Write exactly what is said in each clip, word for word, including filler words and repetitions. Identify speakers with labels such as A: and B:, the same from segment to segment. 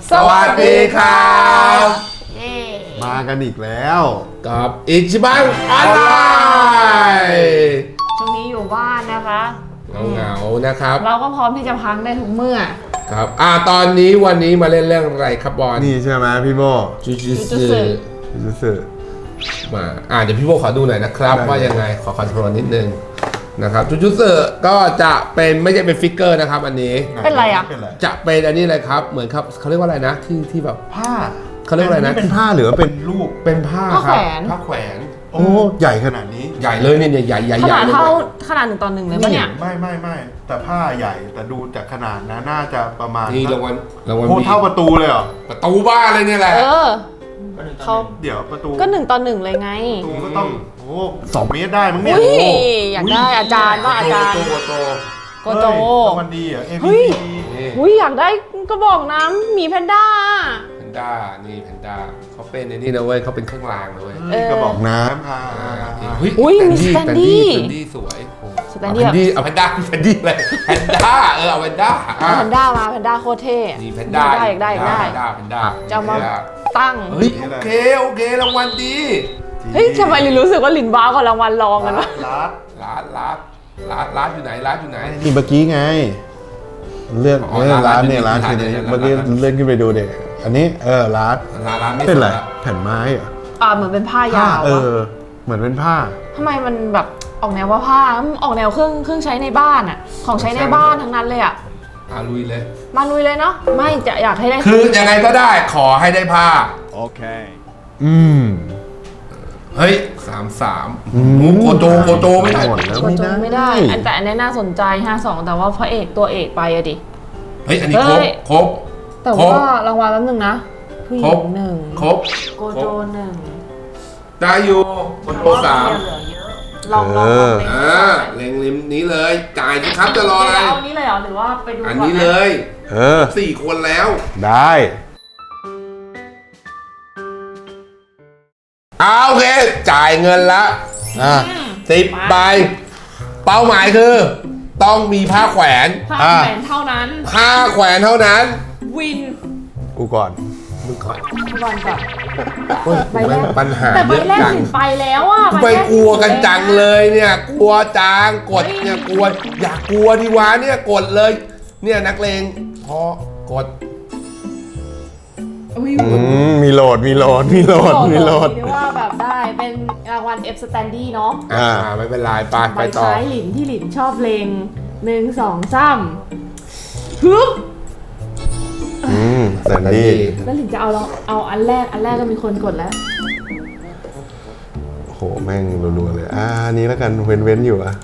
A: สวัสดีครับ
B: มากันอีกแล้ว
A: กับอิชิบังออนไลน์
C: ช่วงนี้อยู่บ้านนะคะ
A: เหงาๆนะครับ
C: เราก็พร้อมที่จะพักได้ทุกเมื่อ
A: ครับอ่าตอนนี้วันนี้มาเล่นเรื่องอะไรครับบอล
B: นี่ใช่ไหมพี่โบ
A: จูจูสึ
B: จูจูสึ
A: มาอ่าเดี๋ยวพี่โบขอดูหน่อยนะครับว่ายังไงขอคอนโทรลนิดนึงนะครับจูจูสึก็จะเป็นไม่ใช่เป็นฟิกเกอร์นะครับอันนี้
C: เป็นอะไรอ่ะ
A: จะเป็นอันนี้เลยครับเหมือนครับเขาเรียกว่าอะไรนะที่ที่แบบ
B: ผ้า
A: เขาเรียกว่าอะไรนะ
B: เป็นผ้าหรือเป็นรูป
A: เป็นผ้าครับผ้าแขวน
B: โอ้ใหญ่ขนาดนี้
A: ใหญ่เลยเนี่ยใหญ่ใหญ่
C: ขนาดเท่าขนาดหนึ่งต่อหนึ่งเลยปะเนี่ย
B: ไม่ไม่ไม่แต่ผ้าใหญ่แต่ดูจากขนาดนะน่าจะประมาณ
A: นี่รางวัลรางวัล
B: โอ้เท่าประตูเลยเหรอ
A: ประตูบ้านเลยเนี่ยแหละ
C: เออเขา
B: เดี๋ยวประตู
C: ก็หนึ่งต่อหนึ่งเลยไง
B: ประตูก็ต้องโอ้สองเมตรได้มั้งเนี่ย
C: อยากได้อาจารย์ว่าอาจารย์
B: โกโต
C: โกโต
B: มันดีอ่ะ
C: เฮ้ยอุ้ยอยากได้ก็บอกน้ำหมีแพนด้า
A: แพนด้านี่แพนด้าเขาเป็นในนี่นะเว้ยเขาเป็นเครื่องรางเลย
B: ก็บอกน้ำอ่า
C: อุ้ยมีสแตนดี้
A: สแตนดี้สวย
C: สแตนดี้
A: เอาแพนด้าแพนดี้เลยแพนด้าเออเอาแพนด้า
C: เอาแพนด้ามาแพนด้าโคตรเท่
A: นี่แพนด้า
C: ได้ได้ได้
A: แพนด้าแพนด้า
C: จะมาตั้ง
A: เฮ้ยโอเคโอเครางวัลดี
C: เฮ้ยทำไมลินรู้สึกว่าลินบ้ากับรางวัลรองกันวะ
B: ร้าน
A: ร้านร้านร้านร้านอยู่ไหนร้านอยู่ไหน
B: นี่เมื่อกี้ไงเลื่อนเลื่อนร้านเนี่ยร้านคือเนี่ยเมื่อกี้เลื่อนขึ้นไปดูเด็กอันนี้เออร้าน
A: ร้านไม่
B: เป็นไรแผ่นไม้เหรอ
C: อ่าเหมือนเป็นผ้ายาว
B: เออเหมือนเป็นผ้า
C: ทำไมมันแบบออกแนวว่าผ้าออกแนวเครื่องเครื่องใช้ในบ้านอ่ะของใช้ในบ้านทั้งนั้นเลยอ่ะ
A: มาลุยเลย
C: มาลุยเลยเนาะไม่จะอยากให้ได้
A: คือยังไงก็ได้ขอให้ได้ผ้า
B: โอเคอืม
A: เฮ้ยสามสามโกโจโกโจไม่ได้
B: หมดแล้ว
C: โกโจไม่ได้อันแต่อันนี้น่าสนใจห้าสองแต่ว่าพระเอกตัวเอกไปอะดิ
A: เฮ้ยอันนี้ครบครบ
C: แต่ว่ารางวัลแป๊บนึงนะผู้หญิงหนึ่ง
A: ครบ
C: โกโจหนึ่ง
A: ได้อยู่โกโจสาม
C: ลองลอง
A: อ่าเล็งริมนี้เลยจ่ายสิครับจะรออะไร
C: เอานี้เลยเหรอหรือว่าไปดู
A: อันนี้เลย
B: เออ
A: สี่คนแล้ว
B: ได้
A: เอาโอเคจ่ายเงินละอ่ะสิบใบเป้าหมายคือต้องมีผ้าแขวน
C: ผ้าแขวนเท่านั้น
A: ผ้าแขวนเท่านั้น
C: วิน
B: กูก่อน
A: มึงก่อน
C: บอลก่อน
A: ใบแรกปัญหา
C: แต่ใบแรกถึงไปแล้วอ่ะ
A: ไปกลัวกันจังเลยเนี่ยกลัวจางกดเนี่ยกลัวอยากกลัวดีวะเนี่ยกดเลยเนี่ยนักเลงพอกด
B: มีโหลดมีโหลดมีโหลดมีโหลด
C: เรียกว่าแบบได้เป็นรางวัล F Standy เนาะ
A: อ่าไม่เป็นไรไปไปต่อ
C: ใบซ้ายหลินที่หลินชอบเลงหนึ่งสองสามฮึบ
B: อืมแสนดี
C: แล้วหลินจะเอาเราเอาอันแรกอันแรกก็มีคนกดแล้ว
B: โหแม่งรัวๆเลยอ่านี้แล้วกันเว้นเว้นอยู่อ่ะ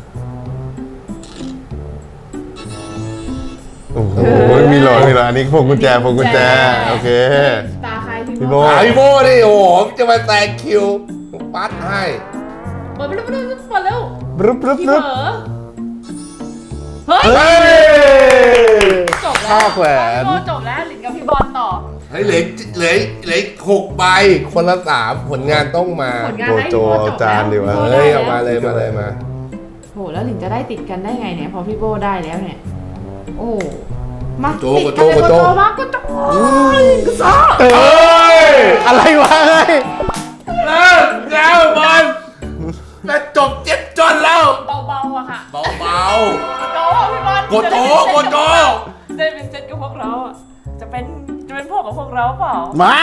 B: โอ้โหมีโหลดมีโหลดอันนี้พวงกุญแจพวงกุญแจโอเค
C: ตาใคร
B: พี่โบ
A: พี่โบดิโอ้โหจะมาแซงคิวปัดให้
C: เปิดไปแล้วเปิดแล้วเปิดแล้ว
B: บรึบรึบรึบ
C: เฮ้ยจบแล้ว
B: แขวน
C: จบแล้วหลินกับพี่บอลต่อ
A: เฮ้ยเหลือเหลือเหลือหกใบคนละสามผลงานต้องมา
C: โก
B: โจจานดีวะ
A: เฮ้ยเอามาเลยมาเลยมา
C: โหแล้วหลินจะได้ติดกันได้ไงเนี่ยพอพี่โบได้แล้วเนี่ยโอ้มา
A: โจโกโจโกโจ
C: มาโกโจกซ่า
B: เอ้ยอะไรวะเฮ้ย
A: เลิกแล้วบอลจะจบเจ็บจนแล้ว
C: เบาๆอะค่ะ
A: เบาๆ
C: โกโจพี่บอล
A: โกโจโกโจ
C: จะเป็นเซตกับพวกเราอะจะเป็นจะเป็นพวกกับพวกเราเปล่า
B: มา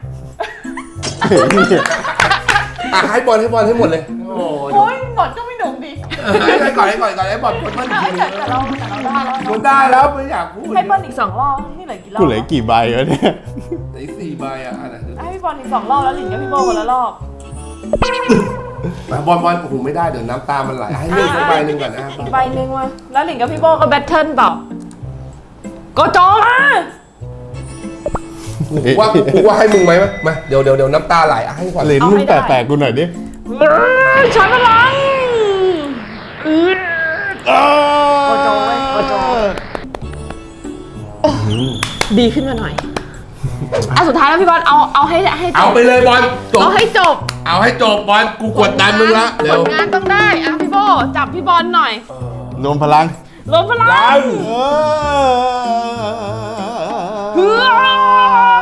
A: อ่ะให้บอลให้บอลให้หมดเลย
C: โอ้ยบอลก็ไม่หนุ่มดิ
A: ให้ก่อนให้ก่อนก่อนให้บอลคนมันที
C: แต่เราแต่เราได้แล้ว
A: คนได้แล้วไม่อยากพูด
C: ให้บอลอีกสองรอบนี่เหลือกี่รอบ
B: กูเหลือกี่ใบวะเนี่ย
A: เหลือสี่ใบอ่ะ
C: ให้พี่บอลอีกสองรอบแล้วหลินกับพี่โบคนละรอ
A: บบอลบอลโอ้โหไม่ได้เดี๋ยวน้ำตามันไหลให้เลือกสักใบหนึ่งก่อนนะ
C: อีกใบหนึ่งมาแล้วหลินกับพี่โบก็แบทเทิลเปล่าโกโจมา
A: ว่ากูว่าให้มึงไหมมาเดี๋ยวเดี๋ยวเดี๋ยวน้ำตาไหลให้ก่อน
B: ลิ้นมึงแตกๆกูหน่อยดิ
C: ใช้พลังโกโจโกโจดีขึ้นมาหน่อยอ่ะสุดท้ายแล้วพี่บอลเอาเอาให้ให้จบ
A: เอาไปเลยบอล
C: เอาให้จบ
A: เอาให้จบบอลกูกดดันมึงละ
C: ผลงานต้องได้อ่ะพี่โบจับพี่บอลหน่อย
B: รวมพลัง
C: รวมพลังเฮ้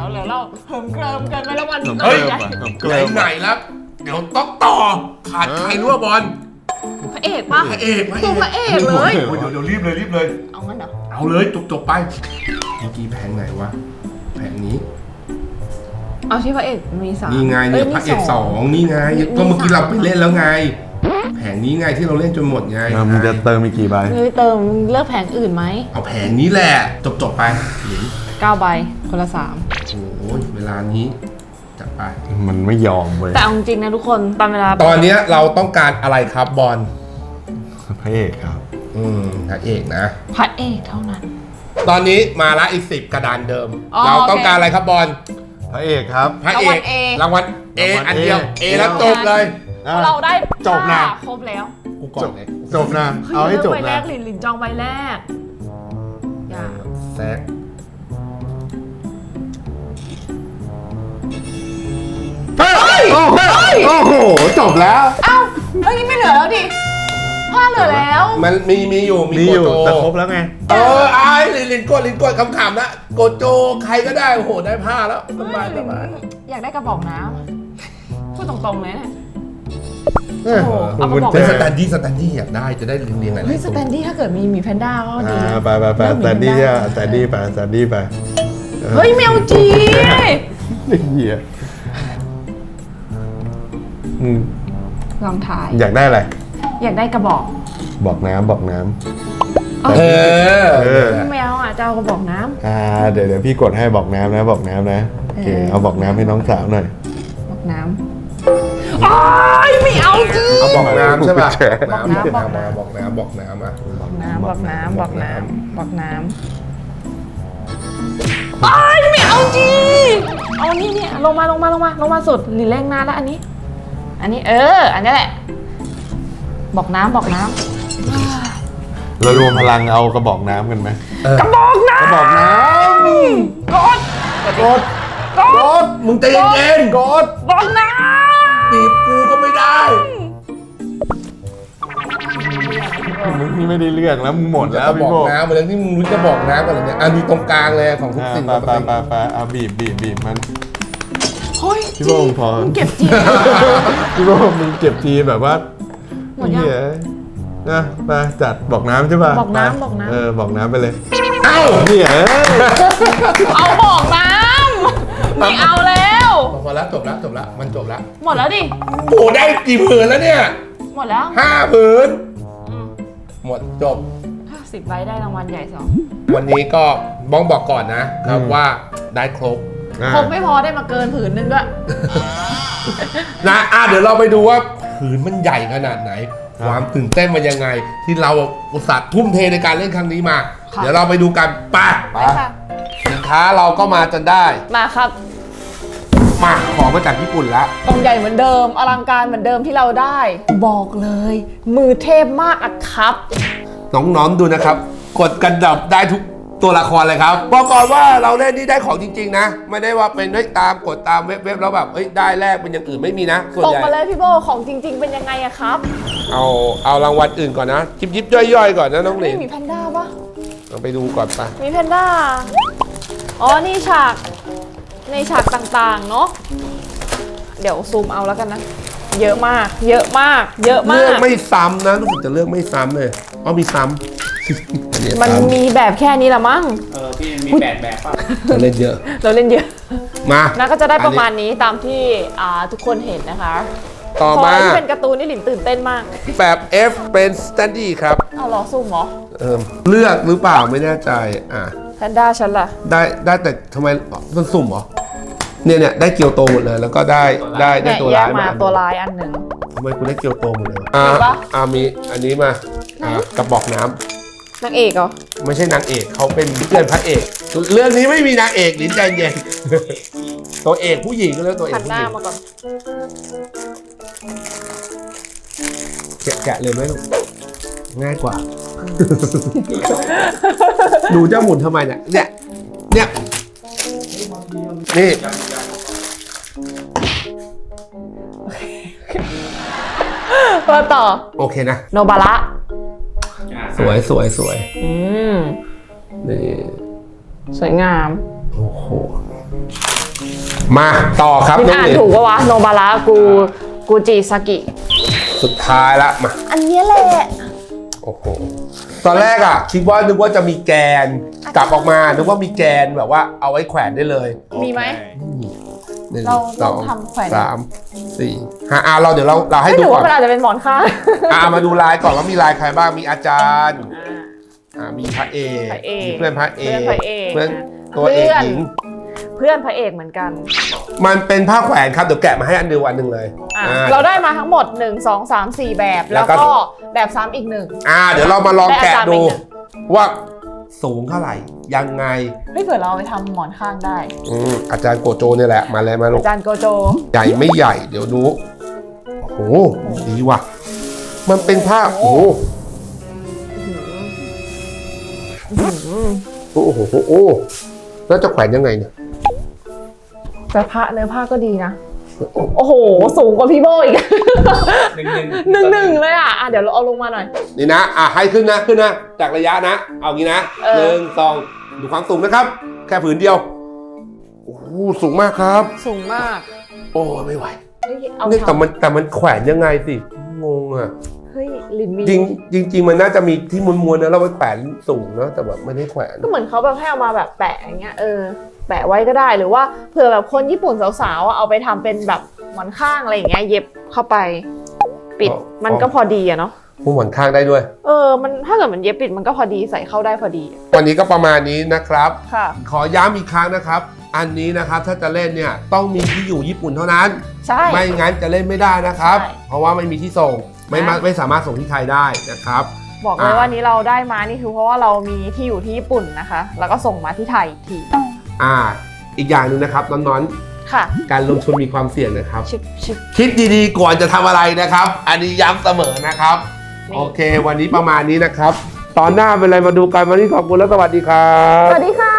C: เหลือเราเหิมเกริมเกินไปแล้ววัน
A: เฮ้ย
C: ใหญ่
A: ไหนไหนๆแล้วเดี๋ยวต้องต่อขาดใครรั่วบอล
C: พระเอกปะ
A: พระเอกพระเอ
C: ตัว
A: ก
C: พระเอกเลย
A: โอ้ยเดี๋ยวเดี๋ยวรีบเลยรีบเลย
C: เอางั้นเหรอ
A: เอาเลยจบจบไปเมื่อกี้แผงไหนวะแผงนี้
C: เอาที่พระเอกมีสาม
A: นี่ไงเนี่ยพระเอกสองนี่ไงก็เมื่อกี้เราไปเล่นแล้วไง แผงนี้ไงที่เราเล่นจนหมดไง
B: มึงจะเติมอีกกี่ใบ
C: เลยเติมเลือกแผงอื่นไหม
A: เอาแผงนี้แหละจบจบไปหลิน
C: เก้าใบคนละสาม
A: โอ้ยเวลานี้จัดไป
B: มันไม่ยอมเว้ย
C: แต่เอาจริงๆนะทุกคนตอนเวลา
A: ตอนเนี้ยเราต้องการอะไรครับบอล
B: พระเอกครับ
A: อืมพระเอกนะ
C: พระเอกเท่านั้น
A: ตอนนี้มาละอีกสิบกระดานเดิม
C: อ๋อ
A: เราต้อง
C: โอเค
A: การอะไรครับบอล
B: พระเอกครับ
A: พระเอก
C: รางวัล A
A: รางวัล A
B: รางวัล
A: อันเดียว
B: A
A: A แล้วจบเลย
B: อ่ะ
C: เราได้
B: จบนะ
C: ครบแล้ว
A: กูก่อนเลย
B: จบนะ เอาให้จบ
C: ใบแร
B: นะ
C: กหลินหลินจองใบแรกอย่า
A: แซก
B: โอ้โหโอ้โห จบแล้ว
C: เอ้าเมื่อกี้ไม่เหลือแล้วดิผ้าเหลือแล้ว
A: มันมีมีอยู่มี
B: มี
A: โก
B: อยู่
A: โจ
B: แต่ครบแล้วไง
A: เออไอ้ลินลินกดลินกดขำๆนะโกโจใครก็ได้โอ้โหได้ผ้าแล้วสบายสบาย
C: อยากได้กระบอกน้ำพูดตรงๆเลยเนี่ย
B: เออ
C: โอ้โหเอา
B: คุณ
C: มาบอก
B: แจ
A: เป็นสแตนดี้สแตนดี้อยากได้จะได้เรียงเรียงอะไร
C: เฮ้ยสแตนดี้ถ้าเกิดมีหมีแพนด้าก็ดี
B: อ่า
C: นะ
B: ไปไปไปสแตนดี้อ่ะสแตนดี้ไปสแตนดี้ไป
C: เฮ้ยแมวจี
B: เหี้ยอืม
C: ลองถ่าย
B: อยากได้อะไร
C: อยากได้กระบอก
B: บอกน้ำบอกน้
C: เอ
A: เออ
B: เออ
C: แมวอ่ะจะเอากระบอกน้
B: ำอ่าเดี๋ยวเดี๋ยวพี่กดให้บอกน้ำนะบอกน้ำนะโอเค
C: เออ
B: เอาบอกน้ำให้น้องสาวหน่อย
C: ำบอกน้ำอ้ายไม่เอาจี
A: เอาบอกน้ำใช่ป่ะ
C: บอกน้ำ
A: บอกน้ำบอกน้ำบอกน้ำอ่ะ
C: บอกน้ำบอกน้ำบอกน้ำบอกน้ำอ้ายไม่เอาจีเอานี่นี่ลงมาลงมาลงมาลงมาสุดหลีแรงนานแล้วอันนี้ อันนี้เออ อันนี้แหละ บอกน้ำบอกน้ำ
B: เรารวมพลังเอากระบอกน้ำกันไหม
C: กระบอกน้ำ
B: กระบอกน้
C: กด
B: ำกด
C: ก
A: ก
C: ด
A: ดมึงใจเย็นๆกด
C: บอกน้
A: บีบกูก็ไม่ได้
B: มึงไม่ได้เรื่องแล้วมึงหมดแล้ว
A: จะ
B: พี่
A: บอก
B: โบ
A: น้ำมาแล้วที่มึงรู้จะบอกน้ำกันเลยเนี่ยอ่ะมีตรงกลางเลยของทุก
B: อ่า
A: สิ่ง
B: ไปไปไปไปเอาบีบบีบบีบมัน
C: ำเฮ้ย
B: พี่โบ้งพอ
C: มึงเก็บจี
B: พี่โบมึงเก็บทีแบบว่า
C: หมดยัง
B: เหี้ยนะไปจัดบอกน้ำใช่ป่ะ
C: บอกน้ำ
B: ไป
C: บอกน้ำ
B: เออบอกน้ำไปเลย
A: เอ้า
B: เหี้ย
C: เอาบอกน้ำไม่เอาแล้ว
A: พอแล้วจบแล้วจบแล้วมันจบแล้ว
C: หมดแล้วดิ
A: โอ้ได้กี่ผืนแล้วเนี่ย
C: หมดแล้ว
A: ห้าผืน
C: อืม
A: หมดจบ
C: สิบใบได้รางวัลใหญ่สอง
A: วันนี้ก็บ้องบอกก่อนนะครับว่าได้ครบ
B: อ่ะ
C: คงไม่พอได้มาเกินผืนนึงด้วย
A: นะอ่ะเดี๋ยวเราไปดูว่าผืนมันใหญ่ขนาดไหน ความตื่นเต้นมันยังไง ที่เราอุตส่าห์ทุ่มเทในการเล่นครั้งนี้มา
C: ค่ะ
A: เดี๋ยวเราไปดูกันไป
C: ไปค่ะ
A: สินค้าเราก็มาจนได้
C: มาครับ
A: มาของมาจากญี่ปุ่นแล้ว
C: กล่องใหญ่เหมือนเดิม อลังการเหมือนเดิมที่เราได้ บอกเลย มือเทพมากอะครับ
A: น้องๆดูนะครับ กดกันดับได้ทุกตัวละครเลยครับบอกก่อนว่าเราเล่นนี่ได้ของจริงๆนะ ไม่ได้ว่าเป็นได้ตามกดตามเว็บๆแล้วแบบเอ้ยได้แลกเป็นอย่างอื่นไม่มีนะส่วน
C: ตก
A: ใหญ่
C: มาเลยพี่โบของจริง ๆ เป็นยังไงอะครับ
A: เอาเอารางวัลอื่นก่อนนะยิบยิบๆย่อยๆก่อนนะน้องหลิ
C: นี่
A: น
C: มีแพนด้าปะ
A: เราไปดูก่อนปะ
C: มีแพนด้า อ๋อ นี่ฉาก ในฉากต่างๆ เนาะ เดี๋ยวซูมเอาแล้วกันนะ เยอะมาก เยอะมาก เยอะมา
A: เลือก
C: ก
A: ไม่ซ้ำนะรู้สึกจะเลือกไม่ซ้ำเลยอ๋อมีซ้ำ เนี่ย
C: มัน
A: ซ้ำ
C: มีแบบแค่นี้ละมั้ง
D: เออพี่มีแปดแบบป่ะ
A: จะเล่นเยอะ
C: เราเล่นเยอะ
A: มา
C: นะก็จะได้ประมาณ
A: อันนี้
C: นี้ตามที่อ่าทุกคนเห็นนะคะ
A: ต่อ
C: พอ
A: มา
C: ที่เป็นการ์ตูนนี่หลินตื่นเต้นมาก
A: แบบ F เป็นสแตนดี้ครับ
C: เอาเหรอซุ่มเหรอ
A: เออเลือกหรือเปล่าไม่แน่ใจอ่ะ
C: แพนด้าฉันล่ะ
A: ได้ได้แต่ทำไมมันสุ่มเหรอเนี่ยเนี่ยได้เกียวโตหมดเลย แล้วก็ได้ได้ได้
C: เนี่ย
A: ตัว
C: แย
A: ร้าก ย
C: มา
A: มา
C: ตัวลายอันหนึ่ง
A: ทำไมกูได้เกียวโตหมดเลยอ่า
C: เห็นปะ
A: อ่ามีอันนี้มาอ่ากระบอกน้ำ
C: นางเอกเหรอ
A: ไม่ใช่นางเอกเขาเป็นเพื่อนพระเอก เรื่องนี้ไม่มีนางเอกลิ้นใจเย็น ตัวเอกผู้หญิงก็เรียกตัวเอ
C: หั
A: ก
C: น
A: ผู้
C: ห
A: ห
C: น้า
A: ญิง
C: มาก่อน
A: แกะแกะเลยไหมลูกง่ายกว่า ดูเจ้าหมุนทำไมเนี่ยเนี่ยเนี่ยนี่
C: มาต่อ
A: โอเคนะ
C: โนบาระ
A: สวยสวยสวย
C: อืม
A: นี่
C: สวยงาม
A: โอ้โหมาต่อครับ
C: พิม
A: น้อง
C: อ่าน
A: หลิน
C: ถูกปะวะโนบาระกูกูจิซากิ
A: สุดท้ายละมา
C: อันนี้แหละ
A: โอ้โหตอนแรกอ่ะคิดว่านึกว่าจะมีแกนกลับออกมานึกว่ามีแกนแบบว่าเอาไว้แขวนได้เลย
C: มีไหม
A: หนึ่ง
C: เรา
A: สอง
C: เราทำแขวน
A: สามสี่ห้าอ่ะเราเดี๋ยวเราเราให้
C: ไม่
A: ดู
C: ถือ
A: ก่อ
C: ว่าน มันอาจจะเป็นหมอนข้าง
A: อ่ะมาดูลายก่อนว่ามีลายใครบ้างมีอาจารย์
C: อ่า
A: อ่ามีพระเอก
C: พระเอก
A: มีเพื่อนพระเอก
C: เพื่อนพระเอก
A: เพื่อนตัวเอกหญิง
C: เพื่อนพระเอกเหมือนกัน
A: มันเป็นผ้าแขวนครับเดี๋ยวแกะมาให้อันเดียวอันหนึ่งเลย
C: อ่ะ
A: อ่า
C: เราได้มาทั้งหมดหนึ่ง สอง สาม สี่แบบ
A: แล้
C: แล้ว ว
A: ก็
C: ก็แบบซ้ำอีกหนึ่ง
A: อ่าเดี๋ยวเรามาลองแกะ
C: ได้อาจารย์
A: ดู
C: ไปหนึ่ง
A: ว่าสูงเท่าไหร่ยังไง
C: เฮ้ยเผื่อเราเอาไปทำหมอนข้างได้
A: อืมอาจารย์โกโจเนี่ยแหละมาเลยมาลูก
C: อาจารย์โกโจ
A: ใหญ่ไม่ใหญ่เดี๋ยวดูโอ้โหดีว่ะมันเป็นผ้าโอ้โหโอ้โหโอ้โหแล้วจะแขวนยังไงเนี่ย
C: แต่ผ้าเนื้อผ้าก็ดีนะ โอ้โห สูงกว่าพี่โบอีก
A: หนึ่งหนึ่ง
C: หนึ่งหนึ่งเลยอ่ะอ่ะ เดี๋ยวเราเอาลงมาหน่อย
A: นี่นะอ่ะให้ขึ้นนะขึ้นนะจากระยะนะ เอางี้นะ
C: เออ
A: หนึ่งสองดูความสูงนะครับ แค่ผืนเดียวโอ้โหสูงมากครับ
C: สูงมาก
A: โอ้ไม่ไหว
C: เฮ้ยเอา
A: นี่แต่
C: ทำ
A: มันแต่มันแขวนยังไงสิงงอ่ะ
C: เฮ้ยลินมี
A: จริงจริงจริงมันน่าจะมีที่ม้วนๆนะเราไปแขวนสูงเนาะแต่แบบไม่ได้แขวน
C: ก็เหมือนเขาแบบให้เอามาแบบแปะอย่างเงี้ย เออ แปะไว้ก็ได้ หรือว่าเผื่อแบบคนญี่ปุ่นสาวๆอ่ะเอาไปทำเป็นแบบหมอนข้างอะไรอย่างเงี้ย เย็บเข้าไป ปิด มันก็พอดีอะเนาะ
A: ผู้หมอนข้างได้ด้วย
C: เออ มันถ้าเกิดมันเย็บปิดมันก็พอดีใส่เข้าได้พอดี
A: วันนี้ก็ประมาณนี้นะครับ
C: ค่ะ
A: ขอย้ำอีกครั้งนะครับ อันนี้นะครับถ้าจะเล่นเนี่ยต้องมีที่อยู่ญี่ปุ่นเท่านั้น
C: ใช่
A: ไม่งั้นจะเล่นไม่ได้นะครับ
C: ใช่
A: เพราะว่าไม่มีที่ส่งไม่มา
C: ใช่
A: ไม่สามารถส่งที่ไทยได้นะครับ
C: บอกเลย
A: อ่ะ
C: ว่านี้เราได้มานี่คือเพราะว่าเรามีที่อยู่ที่ญี่ปุ่นนะคะ แล้วก็ส่งมาที่ไทยอีกที
A: อ่า อีกอย่างหนึ่งนะครับน้อง
C: ค่ะ
A: ๆการลงทุนมีความเสี่ยงนะครับ
C: ชิบชิบ
A: คิดดีๆก่อนจะทำอะไรนะครับ อันนี้ย้ำเสมอนะครับ
C: นี่
A: โอเค วันนี้ประมาณนี้นะครับ ตอนหน้าเป็นอะไรมาดูกันวันนี้ขอบคุณและสวัสดีครับ
C: สวัสดีค่ะ